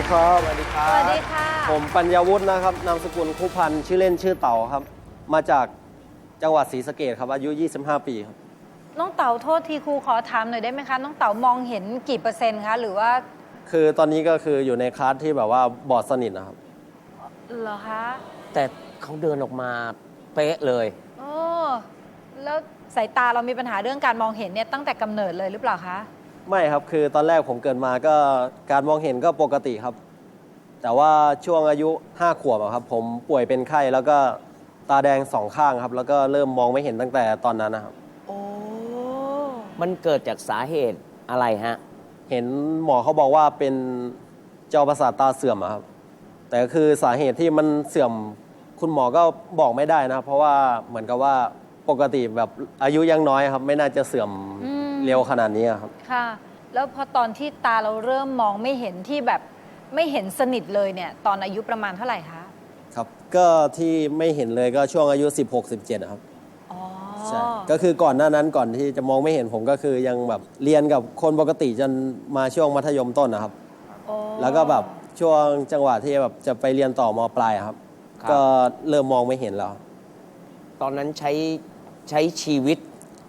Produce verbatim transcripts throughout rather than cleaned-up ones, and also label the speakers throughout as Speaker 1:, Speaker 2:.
Speaker 1: ครับสวัสดีครับ
Speaker 2: สวัสดีค่ะ
Speaker 1: ผมปัญญาวุฒินะครับนามสกุลคุพันธ์ชื่อเล่นชื่อเต่าครับมาจากจังหวัดศรีสะเกษครับอายุยี่สิบห้าปีครับ
Speaker 2: น้องเต๋าโทษทีครูขอถามหน่อยได้ไหมคะน้องเต๋ามองเห็นกี่เปอร์เซ็นต์คะหรือว่า
Speaker 1: คือตอนนี้ก็คืออยู่ในคลาสที่แบบว่าบอดสนิทนะครับ
Speaker 2: เหรอคะ
Speaker 3: แต่เขาเดินออกมาเป๊ะเลย
Speaker 2: โอ้แล้วสายตาเรามีปัญหาเรื่องการมองเห็นเนี่ยตั้งแต่กำเนิดเลยหรือเปล่าคะ
Speaker 1: ไม่ครับคือตอนแรกผมเกิดมาก็การมองเห็นก็ปกติครับ แต่ว่าช่วงอายุห้าขวบอะครับผมป่วยเป็นไข้แล้วก็ตาแดงสองข้างครับแล้วก็เริ่มมองไม่เห็นตั้งแต่ตอนนั้นนะครับ
Speaker 2: โอ้
Speaker 3: มันเกิดจากสาเหตุอะไรฮะ
Speaker 1: เห็นหมอเขาบอกว่าเป็นจอประสาทตาเสื่อมอะครับแต่คือสาเหตุที่มันเสื่อมคุณหมอก็บอกไม่ได้นะเพราะว่าเหมือนกับว่าปกติแบบอายุยังน้อยครับไม่น่าจะเสื่อมเร็วขนาดนี้ครับ
Speaker 2: ค่ะ แล้วพอตอนที่ตาเราเริ่มมองไม่เห็นที่แบบไม่เห็นสนิทเลยเนี่ยตอนอายุประมาณเท่าไหร่คะ
Speaker 1: ครับก็ที่ไม่เห็นเลยก็ช่วงอายุ สิบหก สิบเจ็ด ครับ
Speaker 2: อ๋อ
Speaker 1: ใช่ก็คือก่อนหน้านั้นก่อนที่จะมองไม่เห็นผมก็คือยังแบบเรียนกับคนปกติจนมาช่วงมัธยมต้นนะครับ
Speaker 2: โอ้
Speaker 1: แล้วก็แบบช่วงจังหวะที่แบบจะไปเรียนต่อมปลายอะครับ
Speaker 3: ครับ
Speaker 1: ก็เริ่มมองไม่เห็นแล้ว
Speaker 3: ตอนนั้นใช้ใช้ชีวิต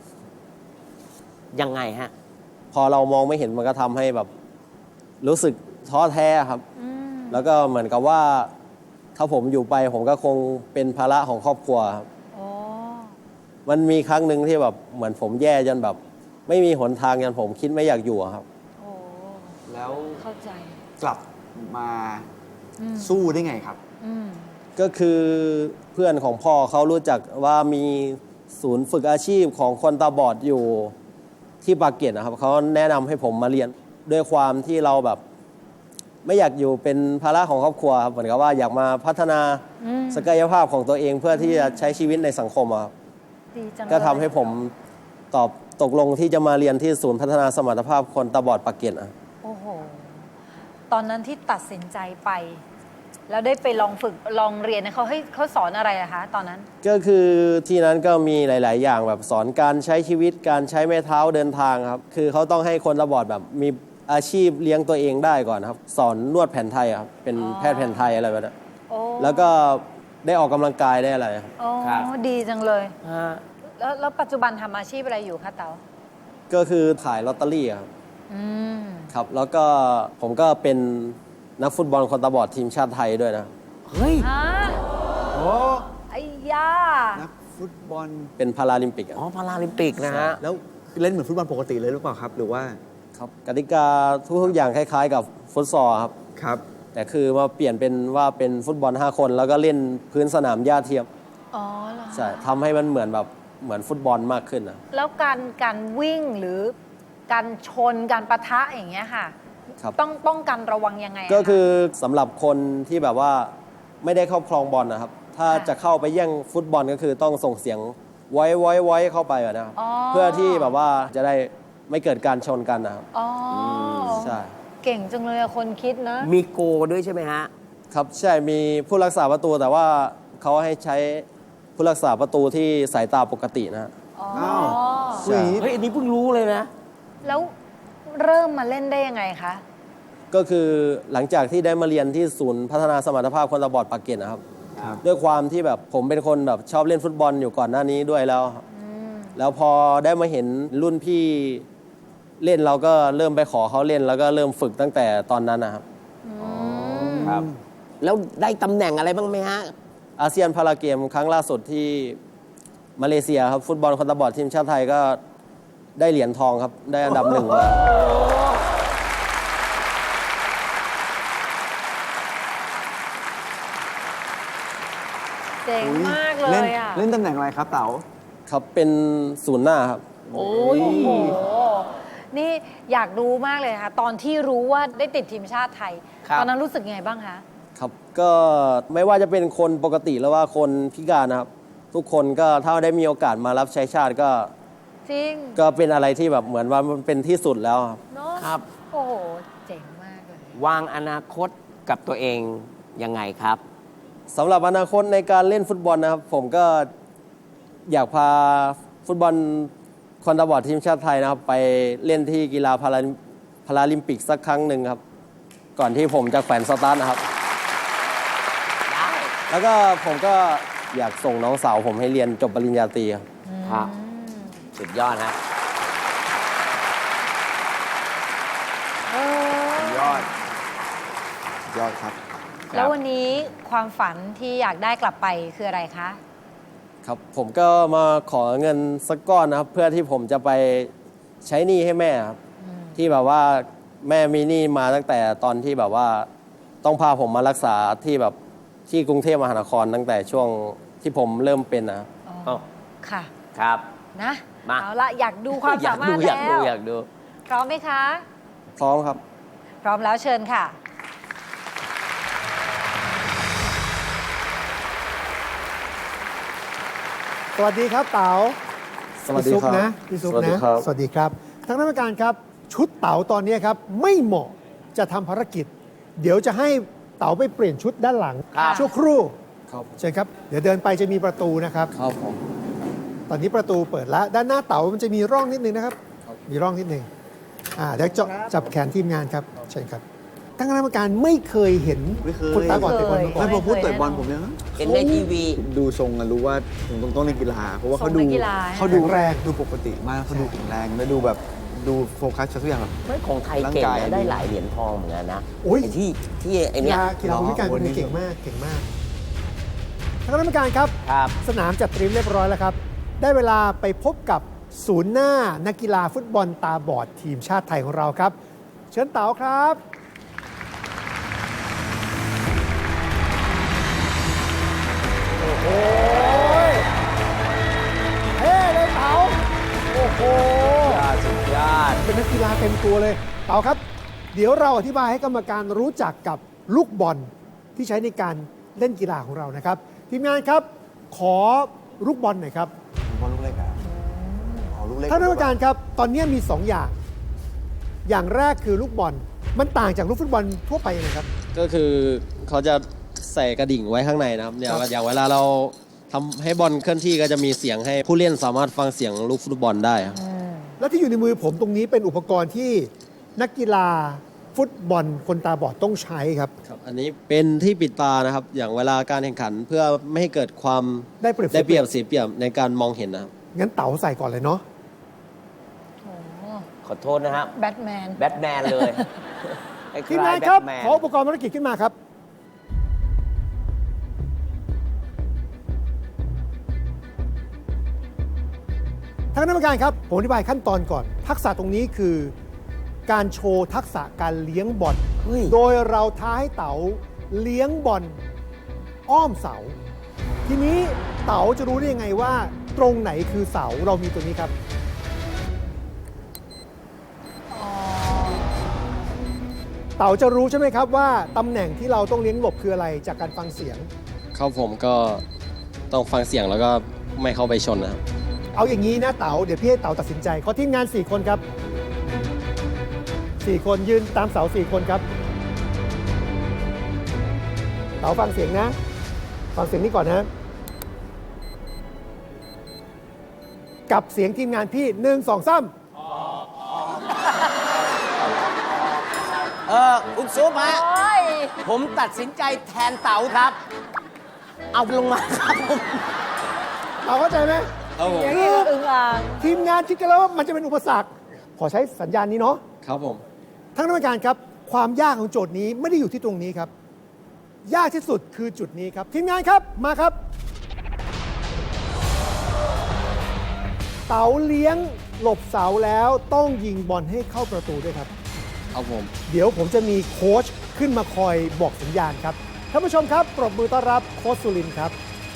Speaker 3: ยังไงฮะ
Speaker 1: พอเรามองไม่เห็นมันก็ทำให้แบบรู้สึกท้อแท้ครับ
Speaker 2: อืม
Speaker 1: แล้วก็เหมือนกับว่าถ้าผมอยู่ไปผมก็คงเป็นภาระของครอบครัวครับ
Speaker 2: โอ้
Speaker 1: มันมีครั้งหนึ่งที่แบบเหมือนผมแย่จนแบบ ไม่มีหนทางจนผมคิดไม่อยากอยู่อะครับ
Speaker 2: โอ้
Speaker 4: แล้ว
Speaker 2: เข้าใจ
Speaker 4: กลับมา
Speaker 2: อืม
Speaker 4: สู้ได้ไงครับ
Speaker 2: อืม
Speaker 1: ก็คือเพื่อนของพ่อเขารู้จักว่ามีศูนย์ฝึกอาชีพของคนตาบอดอยู่ที่ปากเกร็ดนะครับเขาแนะนำให้ผมมาเรียนด้วยความที่เราแบบ ไม่อยากอยู่เป็นภาระของครอบครัวครับเหมือนกับว่าอยากมาพัฒนา
Speaker 2: อืม
Speaker 1: ศักยภาพของตัวเองเพื่อที่จะใช้ชีวิตในสังคมอะครับ
Speaker 2: ดีจังเลย
Speaker 1: ก็ทำให้ผมตอบตกลงที่จะมาเรียนที่ศูนย์พัฒนาสมรรถภาพคนตาบอดปากเกร็ดอะ
Speaker 2: โอ้โห ตอนนั้นที่ตัดสินใจไป แล้วได้ไปลองฝึกลองเรียนเนี่ยเขาให้เขาสอนอะไรอะคะ ตอนนั้น
Speaker 1: ก็คือที่นั้นก็มีหลาย ๆ อย่างแบบสอนการใช้ชีวิตการใช้ไม้เท้าเดินทางครับ คือเขาต้องให้คนตาบอดแบบมีอาชีพเลี้ยงตัวเองได้ก่อนครับ สอนนวดแผนไทยครับเป็น
Speaker 2: อ๋อ
Speaker 1: แพทย์แผนไทยอะไรแบบนั้น
Speaker 2: โอ้
Speaker 1: แล้วก็ได้ออกกำลังกายได้อะไรครับ
Speaker 2: โอ้
Speaker 3: ครับ
Speaker 2: ดีจังเลย
Speaker 3: ฮะ
Speaker 2: แล้วแล้วปัจจุบันทำอาชีพอะไรอยู่คะเต๋า
Speaker 1: ก็คือขายลอตเตอรี่ครับ
Speaker 2: อืม
Speaker 1: ครับ แล้วก็ผมก็เป็นนักฟุตบอลคนตาบอดทีมชาติไทยด้วยนะ
Speaker 3: เฮ้ย
Speaker 2: ฮะ
Speaker 4: โอ้
Speaker 2: ไอ้ยา
Speaker 4: นักฟุตบอล
Speaker 1: เป็นพาราลิมปิกอะ
Speaker 3: อ๋อ พาราลิมปิกนะฮะ
Speaker 4: แล้วเล่นเหมือนฟุตบอลปกติเลยหรือเปล่าครับ หรือว่า
Speaker 1: ครับกติกาทุกๆอย่างคล้าย ๆ กับฟุตซอลครับ
Speaker 4: ครับ
Speaker 1: แต่คือมาเปลี่ยนเป็นว่าเป็นฟุตบอลห้าคน แล้วก็เล่นพื้นสนามหญ้าเทียม
Speaker 2: อ๋อเหรอ
Speaker 1: ใช่ทำให้มันเหมือนแบบเหมือนฟุตบอลมากขึ้นนะ
Speaker 2: แล้วการการวิ่งหรือการชนการปะทะอย่างเงี้ยค่ะ
Speaker 1: ครับ
Speaker 2: ต้องป้องกันระวังยังไงะ
Speaker 1: ก็คือสำหรับคนที่แบบว่าไม่ได้ครอบครองบอลนะครับ ถ้า
Speaker 2: ค่ะ
Speaker 1: จะเข้าไปแย่งฟุตบอลก็คือต้องส่งเสียงไว้ไว้ไว้เข้าไปแบบนะครับ
Speaker 2: อ๋อ
Speaker 1: เพื่อที่แบบว่าจะได้ไม่เกิดการชนกันนะครับ
Speaker 2: อ๋ออ
Speaker 1: ใช่
Speaker 2: เก่งจังเลยอะคนคิดนะ
Speaker 3: มีโกด้วยใช่ไหมฮะ
Speaker 1: ครับใช่มีผู้รักษาประตูแต่ว่าเขาให้ใช้ผู้รักษาประตูที่สายตาปกตินะฮะ
Speaker 2: อ๋อ
Speaker 4: อ้าว
Speaker 1: ใช่
Speaker 3: เฮ้ย อันนี้เพิ่งรู้เลยนะ
Speaker 2: แล้วเริ่มมาเล่นได้ยังไงคะ
Speaker 1: ก็คือหลังจากที่ได้มาเรียนที่ศูนย์พัฒนาสมรรถภาพคนตาบอดปากเกร็ดนะครับ
Speaker 4: ครับ
Speaker 1: ด้วยความที่แบบผมเป็นคนแบบชอบเล่นฟุตบอลอยู่ก่อนหน้านี้ด้วยแล้ว แล้วพอได้มาเห็นรุ่นพี่เล่นเราก็เริ่มไปขอเขาเล่น แล้วก็เริ่มฝึกตั้งแต่ตอนนั้นนะครับ
Speaker 3: ครับ แล้วได้ตำแหน่งอะไรบ้างไหมฮะ
Speaker 1: อาเซียนพาราเกมครั้งล่าสุดที่มาเลเซียครับฟุตบอลคนตาบอดทีมชาติไทยก็ได้เหรียญทองครับ ได้อันดับหนึ่งมา
Speaker 2: เจ๋งมากเล
Speaker 4: เล่น
Speaker 2: ยอะ
Speaker 4: เล่นตำแหน่งอะไรครับเต๋า
Speaker 1: ครับเป็นศูนย์หน้าครับ
Speaker 2: โอ้ยโอ้โห นี่อยากรู้มากเลยค่ะ ตอนที่รู้ว่าได้ติดทีมชาติไทย
Speaker 3: ครับ
Speaker 2: ตอนนั้นรู้สึกยังไงบ้างคะ
Speaker 1: ครับก็ไม่ว่าจะเป็นคนปกติหรือว่าคนพิการนะครับ ทุกคนก็ถ้าได้มีโอกาสมารับใช้ชาติก็
Speaker 2: จริง
Speaker 1: ก็เป็นอะไรที่แบบเหมือนว่ามันเป็นที่สุดแล้วครับ
Speaker 2: เนาะ
Speaker 3: ครับ
Speaker 2: โอ้โห เจ๋งมากเลย
Speaker 3: วางอนาคตกับตัวเองยังไงครับ
Speaker 1: สำหรับอนาคตในการเล่นฟุตบอลนะครับ ผมก็อยากพาฟุตบอลคนตาบอดทีมชาติไทยนะครับ ไปเล่นที่กีฬาพาราพาราลิมปิกสักครั้งหนึ่งครับ เพก่อนที่ผมจะแขวนสตาร์ทนะครับ
Speaker 3: ได้
Speaker 1: แล้วก็ผมก็อยากส่งน้องสาวผมให้เรียนจบปริญญาตรีครับ
Speaker 3: ครับ สุดยอดฮะ
Speaker 2: เออย
Speaker 4: อด ยอดครับ
Speaker 2: แล้ววันนี้ความฝันที่อยากได้กลับไปคืออะไรคะ
Speaker 1: ครับผมก็มาขอเงินสักก้อนนะครับ เพื่อที่ผมจะไปใช้หนี้ให้แม่ครับที่แบบว่าแม่มีหนี้มาตั้งแต่ตอนที่แบบว่าต้องพาผมมารักษาที่แบบที่กรุงเทพมหานครตั้งแต่ช่วงที่ผมเริ่มเป็นนะครับ
Speaker 2: อ๋อ ค่ะ
Speaker 3: ครับ
Speaker 2: นะ
Speaker 3: มา
Speaker 2: เอาละอยากดูความ
Speaker 3: อยา
Speaker 2: สาก มาร
Speaker 3: ดู
Speaker 2: ถ
Speaker 3: อยาก
Speaker 2: แล้
Speaker 3: ดู
Speaker 2: ว
Speaker 3: อยากดู
Speaker 2: พร้อมไหมคะ
Speaker 1: พร้อมครับ
Speaker 2: พร้อมแล้วเชิญค่ะ
Speaker 5: สวัสดีครับเต๋า
Speaker 1: สวัสดี
Speaker 5: พี่ซุป
Speaker 1: ครับ
Speaker 5: นะพี่ซุป
Speaker 1: สวัสดี
Speaker 5: นะครับ สวัสดีครับทางนักการครับชุดเต๋าตอนนี้ครับไม่เหมาะจะทำภารกิจ เดี๋ยวจะให้เต๋าไปเปลี่ยนชุดด้านหลัง
Speaker 3: ครับ
Speaker 5: ชั่วครู่
Speaker 1: ครับ
Speaker 5: เชิญครับเดี๋ยวเดินไปจะมีประตูนะครับ
Speaker 1: ครับผม
Speaker 5: ตอนนี้ประตูเปิดแล้วด้านหน้าเต๋ามันจะมีร่องนิดนึงนะครับ มีร่องนิดนึงอ่าเดี๋ยวจะจับแขนทีมงานครับเชิญครับทางคณะกรรมการไม่เคยเห็น
Speaker 4: ไม่เคย
Speaker 5: คนตาบอดเตะบอลมาก่อ
Speaker 4: ไม่
Speaker 5: น
Speaker 4: พอพูดเตะบอลผมยัง
Speaker 3: เห็นในทีวี
Speaker 4: ดูทรงอะรู้ว่าผมต้องต้องเล่นกีฬา เพราะว่าเขา
Speaker 2: ทรง
Speaker 4: ดู
Speaker 2: นักกีฬา
Speaker 4: เขาดู
Speaker 5: แข็งแรง
Speaker 4: ดูปกติมากเขาดูแข็งแรงและดูแบบดูโฟกัสทุกอย่างแบบ
Speaker 3: ไม่ของไทย
Speaker 4: ร่าง
Speaker 3: เก่ง
Speaker 4: กาย
Speaker 3: นะได้หลายเหรียญทองเหมือนกันนะ
Speaker 5: โอ้ย
Speaker 3: ไอ้ที่ที่ไอ้
Speaker 5: กี
Speaker 3: เนี่ย
Speaker 5: ฬากีฬาคนพิการคนนี้เก่งมากเก่งมากทางคณะกรรมการครับ
Speaker 3: ครับ
Speaker 5: สนามจัดเตรียมเรียบร้อยแล้วครับ ได้เวลาไปพบกับศูนย์หน้านักกีฬาฟุตบอลตาบอดทีมชาติไทยของเราครับ เชิญเต๋าครับ โอ้โหเฮ้เลยเต๋าโอ้โห
Speaker 3: สุดยอด
Speaker 5: เป็นนักกีฬาเต็มตัวเลย เต๋าครับ เดี๋ยวเราอธิบายให้กรรมการรู้จักกับลูกบอลที่ใช้ในการเล่นกีฬาของเรานะครับ ทีมงานครับ ขอลูกบอลหน่อยครับ
Speaker 4: บอลลูกเล็กอะอ๋อลูกเล็ก
Speaker 5: ท่านกรรมการครับ ตอนนี้มีสองอย่าง อย่างแรกคือลูกบอล มันต่างจากลูกฟุตบอลทั่วไปยังไงครับ
Speaker 1: ก็คือเขาจะใส่กระดิ่งไว้ข้างในนะครับเนี่ย
Speaker 5: ครับ
Speaker 1: อย่างเวลาเราทำให้บอลเคลื่อนที่ก็จะมีเสียงให้ผู้เล่นสามารถฟังเสียงลูกฟุตบอลได้ครับ
Speaker 5: และที่อยู่ในมือผมตรงนี้เป็นอุปกรณ์ที่นักกีฬาฟุตบอลคนตาบอดต้องใช้ครับ
Speaker 1: ครับอันนี้เป็นที่ปิดตานะครับ อย่างเวลาการแข่งขันเพื่อไม่ให้เกิดความ
Speaker 5: ได้เปรียบ
Speaker 1: ได้เปรียบเสียเปรียบในการมองเห็นนะครับ
Speaker 5: งั้นเต๋าใส่ก่อนเลยเนาะ
Speaker 3: ขอโทษนะครับ
Speaker 2: แบทแมน
Speaker 3: แบทแมนเลยคล้ยๆ
Speaker 5: ทีมงานครับ
Speaker 3: แทแมน
Speaker 5: ขออุปกรณ์ภารกิจขึ้นมาครับ ท่านคณะกรรมการครับ ผมอธิบายขั้นตอนก่อน ทักษะตรงนี้คือการโชว์ทักษะการเลี้ยงบอล
Speaker 3: เฮ้ย
Speaker 5: โดยเราท้าให้เต๋าเลี้ยงบอลอ้อมเสา ทีนี้เต๋าจะรู้ได้ยังไงว่า ตรงไหนคือเสาเรามีตัวนี้ครับ เต๋าจะรู้ใช่ไหมครับว่าตำแหน่งที่เราต้องเลี้ยงหลบคืออะไรจากการฟังเสียง
Speaker 1: เข้าผมก็ต้องฟังเสียงแล้วก็ไม่เข้าไปชนนะครับ
Speaker 5: เอาอย่างนี้นะเต๋าเดี๋ยวพี่ให้เต๋าตัดสินใจขอทีมงาน สี่ คนครับ สี่ คนยืนตามเสา สี่ คนครับ เต๋าฟังเสียงนะ ฟังเสียงนี้ก่อนนะ กับเสียงทีมงานพี่หนึ่งสองสาม
Speaker 3: เออคุณซุปฮะ
Speaker 2: โอ้ย
Speaker 3: ผมตัดสินใจแทนเต๋าครับ เอาลงมาครับผม
Speaker 5: เต๋าเข้าใจไหม
Speaker 1: ครับผม
Speaker 2: อย่างนี้ก็อึ่งอ่าง
Speaker 5: ทีมงานคิดกันแล้วว่ามันจะเป็นอุปสรรค ขอใช้สัญญาณนี้เนาะ
Speaker 1: ครับผม
Speaker 5: ท่านกรรมการครับ ความยากของโจทย์นี้ไม่ได้อยู่ที่ตรงนี้ครับ ยากที่สุดคือจุดนี้ครับ ทีมงานครับมาครับ เต๋าเลี้ยงหลบเสาแล้วต้องยิงบอลให้เข้าประตูด้วยครับ
Speaker 1: ครับผม
Speaker 5: เดี๋ยวผมจะมีโค้ชขึ้นมาคอยบอกสัญญาณครับท่านผู้ชมครับปรบมือต้อนรับโค้ชสุรินทร์ครับ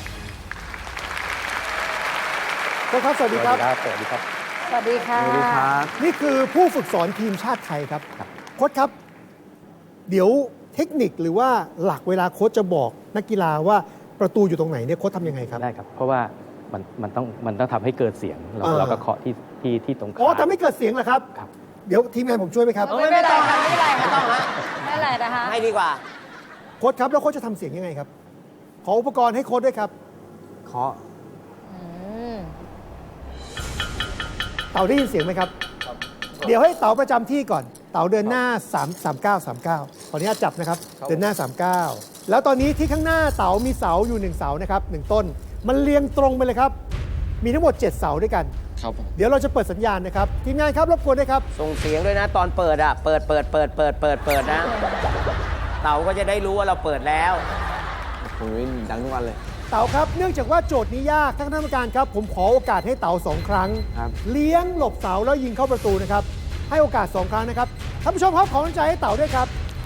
Speaker 5: โค้ชครับสวัสดีครับ
Speaker 2: สวัสดีค่ะ
Speaker 4: สวัสดีครับ
Speaker 5: นี่คือผู้ฝึกสอนทีมชาติไทยครับโค้ชครับ เดี๋ยวเทคนิคหรือว่าหลักเวลาโค้ชจะบอกนักกีฬาว่าประตูอยู่ตรงไหนเนี่ยโค้ชทำยังไงครับ
Speaker 6: ได้ครับ เพราะว่ามันมันต้องมันต้องทำให้เกิดเสียง เรา
Speaker 5: อ่า
Speaker 6: เราก็เคาะที่ที่ที่ตรงขา
Speaker 5: อ๋อทำให้เกิดเสียงเหรอครับ
Speaker 6: ครับ
Speaker 5: เดี๋ยวทีมงานผมช่วยไหมครับ
Speaker 2: ไม่เป็นไรค่ะไม่เป็นไรค่ะไม่เป็นไรนะคะ
Speaker 3: ให้ดีกว่า
Speaker 5: โค้ชครับแล้วโค้ชจะทำเสียงยังไงครับ ขออุปกรณ์ให้โค้ชด้วยครับ
Speaker 4: เคาะ
Speaker 2: อืม
Speaker 5: เต๋าได้ยินเสียงไหมครับ เดี๋ยวให้เต๋าประจำที่ก่อนเต๋าเดินหน้า3 3 9 3 9ขออนุญาตจับนะครับเดินหน้า สามเก้า แล้วตอนนี้ที่ข้างหน้าเต๋ามีเสาอยู่หนึ่งเสานะครับหนึ่งต้นมันเรียงตรงไปเลยครับมีทั้งหมดเจ็ดเสาด้วยกัน
Speaker 1: ครับผม
Speaker 5: เดี๋ยวเราจะเปิดสัญญาณนะครับทีมงานครับรบกวนด้วยครับ
Speaker 3: ส่งเสียงด้วยนะ ตอนเปิดอ่ะ เปิดเปิดเปิดเปิดเปิดเปิดนะ เต่าก็จะได้รู้ว่าเราเปิดแล้ว
Speaker 4: ผมวิ่งดังทุกวันเลย
Speaker 5: เต๋าครับเนื่องจากว่าโจทย์นี้ยากท่านคณะกรรมการครับผมขอโอกาสให้เต๋าสองครั้ง
Speaker 4: ครับ
Speaker 5: เลี้ยงหลบเสาแล้วยิงเข้าประตูนะครับให้โอกาสสองครั้งนะครับท่านผู้ชมครับขอกำลังใจให้เต๋าด้วยครับ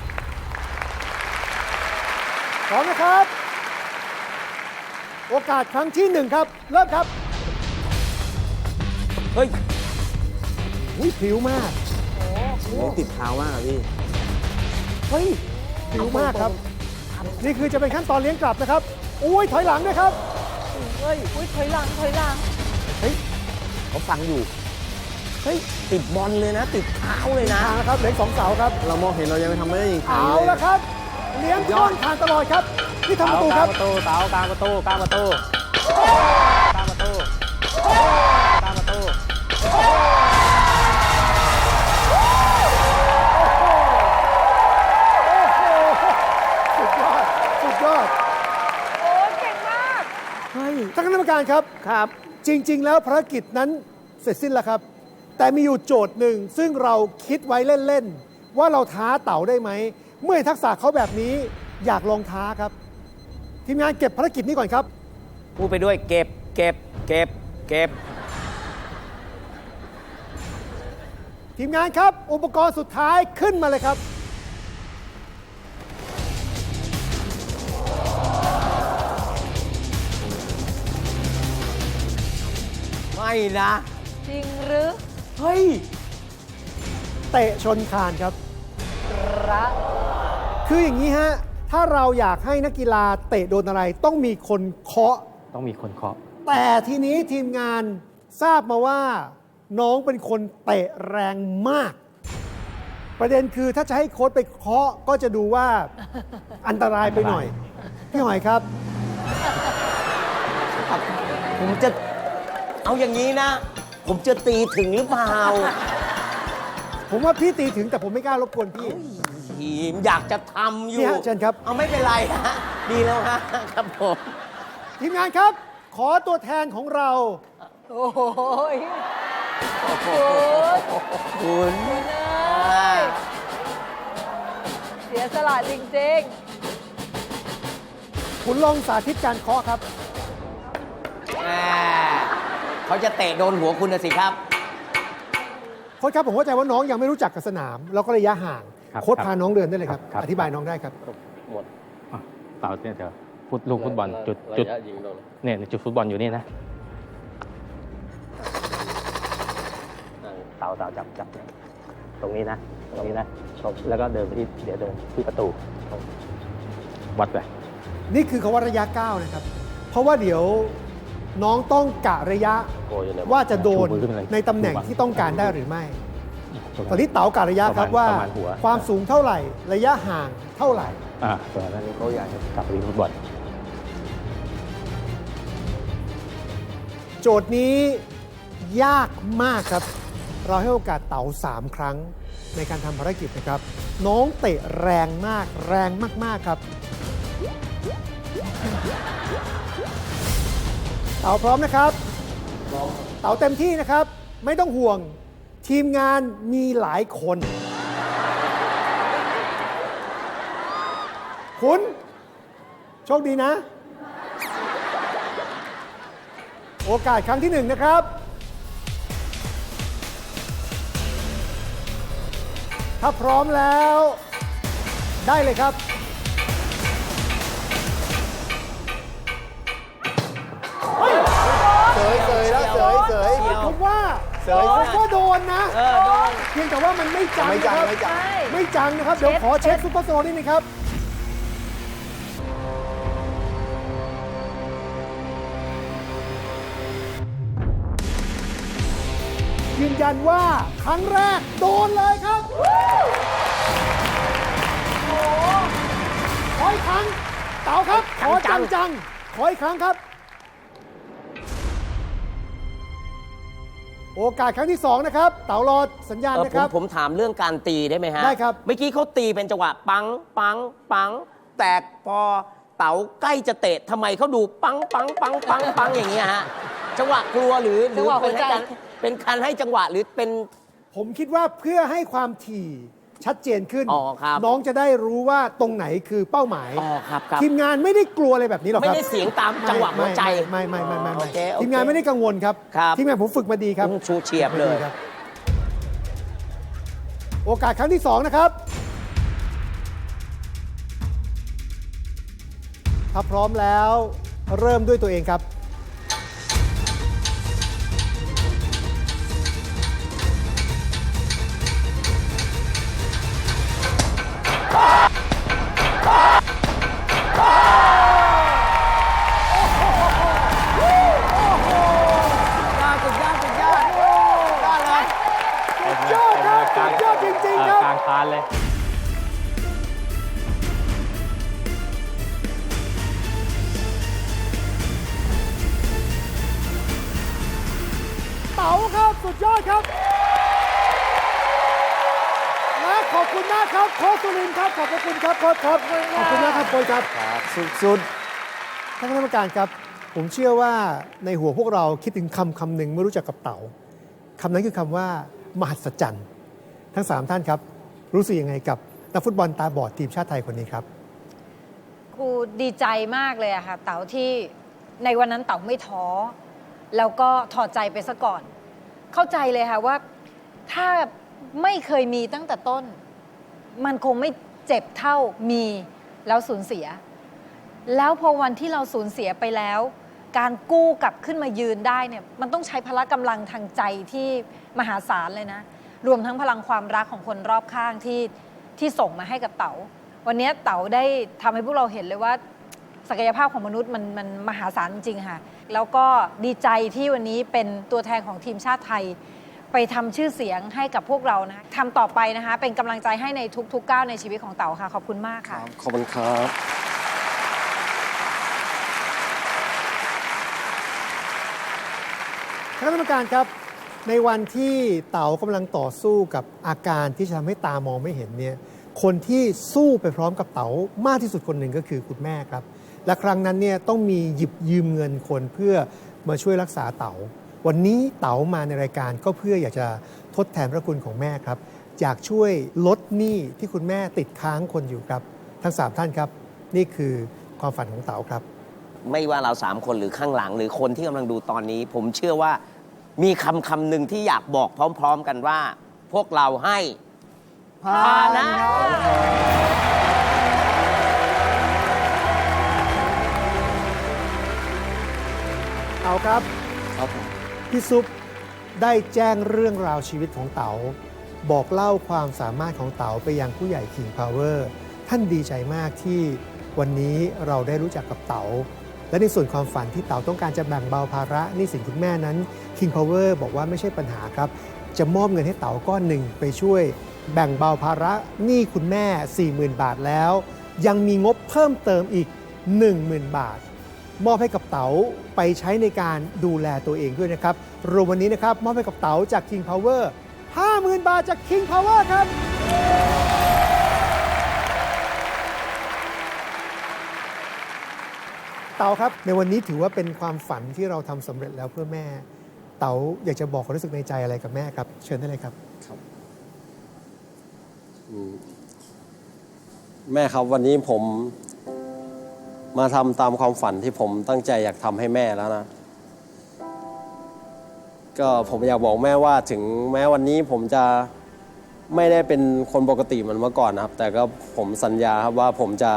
Speaker 5: พร้อมนะครับ โอกาสครั้งที่หนึ่งครับเริ่มครับ
Speaker 3: เฮ้ย
Speaker 5: อุ้ยผิวมาก
Speaker 4: ไม่ติดเท้ามากอะพี่
Speaker 5: เฮ้ยผิวมากครับ นี่คือจะเป็นขั้นตอนเลี้ยงกลับนะครับอุ้ยถอยหลังด้วยครับ
Speaker 2: เฮ้ยอุ้ยถอยหลังถอยหลัง
Speaker 5: เฮ้ย
Speaker 3: เขาฟังอยู่ เฮ้ย ติดบอลเลยนะ ติดเท้าเลยนะ
Speaker 5: ทางนะครับเหลืออกสองเสาครับ
Speaker 4: เรามองเห็นเรายังไม่ทำไม่ได้ยิง
Speaker 5: เอาละครับเลี้ยงต้นทางตลอดครับที่ทำประตูครับ
Speaker 6: ประตูเต๋ากลางประตูกลางประตูกลางประตูกลางประตู
Speaker 5: สุดยอด สุดยอด
Speaker 2: โอ้ยเก่งมาก
Speaker 5: ท่านคณะกรรมการครับ
Speaker 3: ครับ
Speaker 5: จริง ๆ แล้วภารกิจนั้นเสร็จสิ้นแล้วครับ แต่มีอยู่โจทย์หนึ่งซึ่งเราคิดไว้เล่น ๆ ว่าเราท้าเต๋าได้ไหม เมื่อเห็นทักษะเขาแบบนี้อยากลองท้าครับ ทีมงานเก็บภารกิจนี้ก่อนครับ
Speaker 3: พูดไปด้วย เก็บ เก็บ เก็บ เก็บ
Speaker 5: ทีมงานครับ อุปกรณ์สุดท้ายขึ้นมาเลยครับ
Speaker 3: ไม่นะ
Speaker 2: จริงหรือ
Speaker 3: เฮ้ย
Speaker 5: เตะชนคานครับ
Speaker 2: รัก
Speaker 5: คืออย่างนี้ฮะ ถ้าเราอยากให้นักกีฬาเตะโดนอะไร ต้องมีคนเคาะ
Speaker 6: ต้องมีคนเคาะ
Speaker 5: แต่ทีนี้ทีมงานทราบมาว่า น้องเป็นคนเตะแรงมาก ประเด็นคือถ้าจะให้โค้ชไปเคาะก็จะดูว่าอันตรายไปหน่อย พี่หอยครับ
Speaker 3: ผมจะ เอาอย่างนี้นะ ผมจะตีถึงหรือเปล่า
Speaker 5: ผมว่าพี่ตีถึงแต่ผมไม่กล้ารบกวนพี่
Speaker 3: ทีมอยากจะทำอยู่
Speaker 5: นี่ฮะเชิญครับ
Speaker 3: เอาไม่เป็นไรฮะ ดีแล้วฮะ ครับผม
Speaker 5: ทีมงานครับ ขอตัวแทนของเรา
Speaker 2: โอ้โหย
Speaker 3: คุณ
Speaker 2: เอ้ยเสียสละจริง
Speaker 5: คุณลองสาธิตการเคาะครับ
Speaker 3: แหมเขาจะเตะโดนหัวคุณนะสิครับ
Speaker 5: โค้ชครับผมเข้าใจว่าน้องยังไม่รู้จักกับสนาม แล้วก็ระยะห่าง
Speaker 6: ครับ
Speaker 5: โค้ชพาน้องเดินได้เลยครับ
Speaker 6: ครับ
Speaker 5: อธิบายน้องได้ครับ
Speaker 1: หมด
Speaker 6: อ่ะเต๋าเนี่ยเดี๋ยวฟุตลูกฟุตบอลจุด
Speaker 1: ระ
Speaker 6: จุด
Speaker 1: ยะยิงโดน
Speaker 6: เนี่ยจุดฟุตบอลอยู่นี่นะเต๋าเต๋าจับจับเนี่ยตรงนี้นะตรงนี้นะแล้วก็เดินไปที่เดี๋ยวเดินที่ประตูวัดไป
Speaker 5: นี่คือคำว่าระยะก้าวนะครับ เพราะว่าเดี๋ยวน้องต้องกะระยะ
Speaker 1: โกอยู่ใน
Speaker 5: ว่าจะโดน
Speaker 6: ชูมือขึ้นมาเลย
Speaker 5: ในตำแหน่งที่ต้องการได้หรือไม่
Speaker 6: ตรง
Speaker 5: ตอนนี้เต๋ากะระยะครับ
Speaker 6: ปะมณ
Speaker 5: ว่า
Speaker 6: ประมาณหัว
Speaker 5: ความสูงเท่าไหร่ ระยะห่างเท่าไหร่
Speaker 6: อ่าตรงนั้นเขาอยากจะกลับไปที่ฟุตบอล
Speaker 5: โจทย์นี้ยากมากครับ เราให้โอกาสเต๋าสามครั้งในการทำภารกิจนะครับ น้องเตะแรงมาก แรงมากๆครับ เต๋าพร้อมนะครับ เต๋าเต็มที่นะครับ ไม่ต้องห่วง ทีมงานมีหลายคน คุณ โชคดีนะ โอกาสครั้งที่หนึ่งนะครับ ถ้าพร้อมแล้ว ได้เลยครับ เฮ้ย
Speaker 4: เสยเสยแล้วเสยเสย
Speaker 5: ผมว่า
Speaker 4: เสย
Speaker 5: ผมก็โดนนะ
Speaker 3: เออโดน
Speaker 5: เพียงแต่ว่ามันไม่จัง
Speaker 4: ไม่จัง
Speaker 5: นะครับ
Speaker 4: ไม่
Speaker 2: ๆ
Speaker 4: จัง
Speaker 2: ใช่
Speaker 5: ไม่จังนะครับ เดี๋ยวขอเช็คซุปเปอร์โซนนิดนึงครับ ยืนยันว่าครั้งแรกโดนเลยครับ ขออีกครั้ง เต๋าครับ ขอจังจังๆขออีกครั้งครับโอกาสครั้งที่สองนะครับเต๋ารอสัญญาณ
Speaker 3: เออ
Speaker 5: นะ
Speaker 3: ผ
Speaker 5: ค
Speaker 3: ม
Speaker 5: รับ
Speaker 3: ผมถามเรื่องการตีได้ไหมฮะ
Speaker 5: ได้ครับ
Speaker 3: เมื่อกี้เขาตีเป็นจังหวะปังปังปังแต่พอเต๋าใกล้จะเตะทำไมเขาดูปังปังปังปังปังอย่างเงี้ยฮะจังหวะกลัวหรือหรื
Speaker 2: จังหวะ
Speaker 3: เป็น
Speaker 2: หัวใจ
Speaker 3: การเป็นการให้จังหวะหรือเป็น
Speaker 5: ผมคิดว่าเพื่อให้ความถี่ชัดเจนขึ้น
Speaker 3: อ๋อครับ
Speaker 5: น้องจะได้รู้ว่าตรงไหนคือเป้าหมาย
Speaker 3: อ๋อครับครับ
Speaker 5: ทีมงานไม่ได้กลัวอะไรแบบนี้หรอก
Speaker 3: ไม่
Speaker 5: ครับ
Speaker 3: ได้เสียงตามจังหวะหัวใจ
Speaker 5: ไม่ไม่ไม่ไม่ไม่
Speaker 3: โอ
Speaker 5: ไม่
Speaker 3: เคโอเค
Speaker 5: ทีมงานไม่ได้กังวลครับ
Speaker 3: ครับ
Speaker 5: ทีมงานผมฝึกมาดีครับ
Speaker 3: อืมชูเฉียบเลย
Speaker 5: ครับโอกาสครั้งที่สองนะครับ ถ้าพร้อมแล้วเริ่มด้วยตัวเองครับ
Speaker 3: ยอดสุดยอดสุดยอดยอดเลย
Speaker 5: ยอดครับสุดยอดจริงๆครับ
Speaker 6: กลางคานเลย
Speaker 5: เต๋าครับสุดยอดครับ และขอบคุณมากครับโค้ชสุรินทร์ครับขอบพระคุณครับโค้ชครับขอบคุณมากครับโค้ชครับสุดๆท่านคณะกรรมการครับ ผมเชื่อว่าในหัวพวกเราคิดถึงคำคำหนึ่งเมื่อรู้จักกับเต๋าคำนั้นคือคำว่ามหัศจรรย์ทั้งสามท่านครับ รู้สึกยังไงกับนักฟุตบอลตาบอดทีมชาติไทยคนนี้ครับ
Speaker 2: ครูดีใจมากเลยอะค่ะเต๋าที่ในวันนั้นเต๋าไม่ท้อแล้วก็ถอดใจไปซะก่อน เข้าใจเลยค่ะว่าถ้าไม่เคยมีตั้งแต่ต้น มันคงไม่เจ็บเท่ามีแล้วสูญเสีย แล้วพอวันที่เราสูญเสียไปแล้ว การกู้กลับขึ้นมายืนได้เนี่ยมันต้องใช้พละกำลังทางใจที่มหาศาลเลยนะ รวมทั้งพลังความรักของคนรอบข้างที่ที่ส่งมาให้กับเต๋าวันนี้เต๋าได้ทำให้พวกเราเห็นเลยว่าศักยภาพของมนุษย์มันมันมหาศาลจริงๆค่ะแล้วก็ดีใจที่วันนี้เป็นตัวแทนของทีมชาติไทย ไปทำชื่อเสียงให้กับพวกเรานะทำต่อไปนะคะเป็นกำลังใจให้ในทุกๆก้าวในชีวิตของเต๋าค่ะขอบคุณมากค่ะ
Speaker 1: ขอบคุณครับ
Speaker 5: คณะกรรมการครับในวันที่เต๋ากำลังต่อสู้กับอาการที่จะทำให้ตามองไม่เห็นเนี่ยคนที่สู้ไปพร้อมกับเต๋ามากที่สุดคนหนึ่งก็คือคุณแม่ครับและครั้งนั้นเนี่ยต้องมีหยิบยืมเงินคนเพื่อมาช่วยรักษาเต๋าวันนี้เต๋ามาในรายการก็เพื่ออยากจะทดแทนพระคุณของแม่ครับอยากช่วยลดหนี้ที่คุณแม่ติดค้างคนอยู่ครับทั้งสามท่านครับนี่คือความฝันของเต๋าครับ
Speaker 3: ไม่ว่าเราสามคนหรือข้างหลัง หรือคนที่กำลังดูตอนนี้ ผมเชื่อว่ามีคำคำหนึ่งที่อยากบอกพร้อม ๆ กันว่า พวกเราให้พานะ
Speaker 5: เต๋าครับ
Speaker 1: ครับผม
Speaker 5: พี่ซุปได้แจ้งเรื่องราวชีวิตของเต๋าบอกเล่าความสามารถของเต๋าไปยังผู้ใหญ่ King Power ท่านดีใจมากที่วันนี้เราได้รู้จักกับเต๋าและในส่วนความฝันที่เต๋าต้องการจะแบ่งเบาภาระหนี้สินคุณแม่นั้น King Power บอกว่าไม่ใช่ปัญหาครับจะมอบเงินให้เต๋าก้อนหนึ่งไปช่วยแบ่งเบาภาระหนี้คุณแม่ สี่หมื่น บาทแล้ว ยังมีงบเพิ่มเติมอีก หนึ่งหมื่น บาท มอบให้กับเต๋าไปใช้ในการดูแลตัวเองด้วยนะครับรวมวันนี้นะครับมอบให้กับเต๋าจาก King Power ห้าหมื่น บาทจาก King Power ครับเต๋าครับในวันนี้ถือว่าเป็นความฝันที่เราทำสำเร็จแล้วเพื่อแม่ เต๋าอยากจะบอกความรู้สึกในใจอะไรกับแม่ครับเชิญได้เลยครับ
Speaker 1: แม่ครับวันนี้ผมมาทำตามความฝันที่ผมตั้งใจอยากทำให้แม่แล้วนะ ก็ผมอยากบอกแม่ว่าถึงแม้วันนี้ผมจะไม่ได้เป็นคนปกติเหมือนเมื่อก่อนนะครับ แต่ก็ผมสัญญาครับว่าผมจะ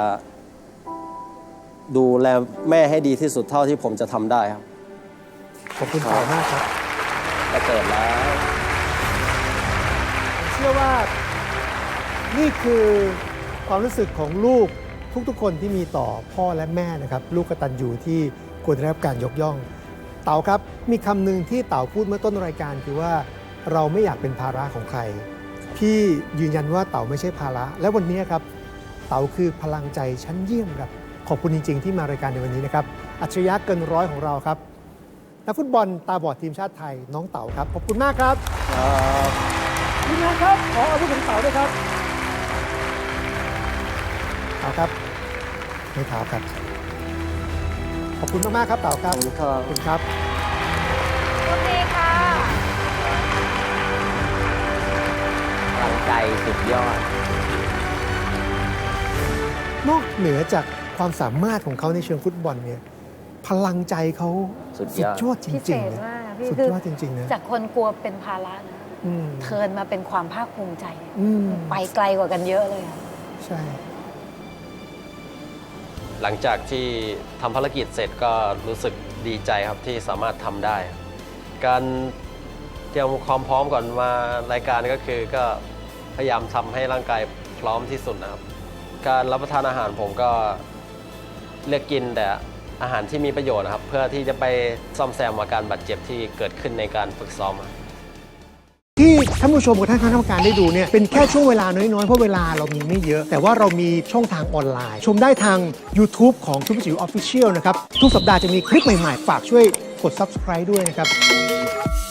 Speaker 1: ดูแลแม่ให้ดีที่สุดเท่าที่ผมจะทำได้ครับ
Speaker 5: ขอบคุณเต๋ามากครับ
Speaker 3: จะเกิดแล้ว
Speaker 5: เชื่อว่านี่คือความรู้สึกของลูกทุกๆคนที่มีต่อพ่อและแม่นะครับลูกกตัญญูที่ควรได้รับการยกย่อง เต๋าครับมีคำหนึ่งที่เต๋าพูดเมื่อต้นรายการคือว่าเราไม่อยากเป็นภาระของใครพี่ยืนยันว่าเต๋าไม่ใช่ภาระและวันนี้ครับเต๋าคือพลังใจชั้นเยี่ยมครับขอบคุณจริงๆที่มารายการในวันนี้นะครับอัจฉริยะเกินร้อยของเราครับนักฟุตบอลตาบอดทีมชาติไทยน้องเต๋าครับขอบคุณมากครับ
Speaker 1: ครับ
Speaker 5: ทีมงานครับขออาวุธของเต๋าด้วยครับเต๋าครับไม่เท้าครับขอบคุณมากๆครับเต๋าครับ
Speaker 1: ขอบคุณครับ
Speaker 5: ขอบคุณครับ
Speaker 2: โชคดีค่ะ
Speaker 3: พลังใจสุดยอด
Speaker 5: นอกเหนือจากความสามารถของเขาในเชิงฟุตบอลเนี่ยพลังใจเขา
Speaker 3: สุดยอด
Speaker 5: ยอดจ
Speaker 2: พิเศ
Speaker 5: ริง
Speaker 2: ษ
Speaker 5: ๆนะ
Speaker 2: มากพี่
Speaker 5: สุด
Speaker 2: คื
Speaker 5: ยอดจริงๆนะ
Speaker 2: จากคนกลัวเป็นภาระนะ
Speaker 5: อืม
Speaker 2: เทิร์นมาเป็นความภาคภูมิใจ
Speaker 5: อืม
Speaker 2: ไปไกลกว่ากันเยอะเลยอะ
Speaker 5: ใช่
Speaker 1: หลังจากที่ทำภารกิจเสร็จก็รู้สึกดีใจครับที่สามารถทำได้ การเตรียมความพร้อมก่อนมารายการก็คือก็พยายามทำให้ร่างกายพร้อมที่สุดนะครับ การรับประทานอาหารผมก็เลือกกินแต่อาหารที่มีประโยชน์นะครับ เพื่อที่จะไปซ่อมแซมอาการบาดเจ็บที่เกิดขึ้นในการฝึกซ้อมครับ
Speaker 5: ที่ท่านผู้ชมกับท่านคณะกรรมการได้ดูเนี่ยเป็นแค่ช่วงเวลาน้อยๆ เพราะเวลาเรามีไม่เยอะ แต่ว่าเรามีช่องทางออนไลน์ ชมได้ทาง YouTube ของทุกจิ๋วออฟฟิเชียลนะครับ ทุกสัปดาห์จะมีคลิปใหม่ๆ ฝากช่วยกด Subscribe ด้วยนะครับ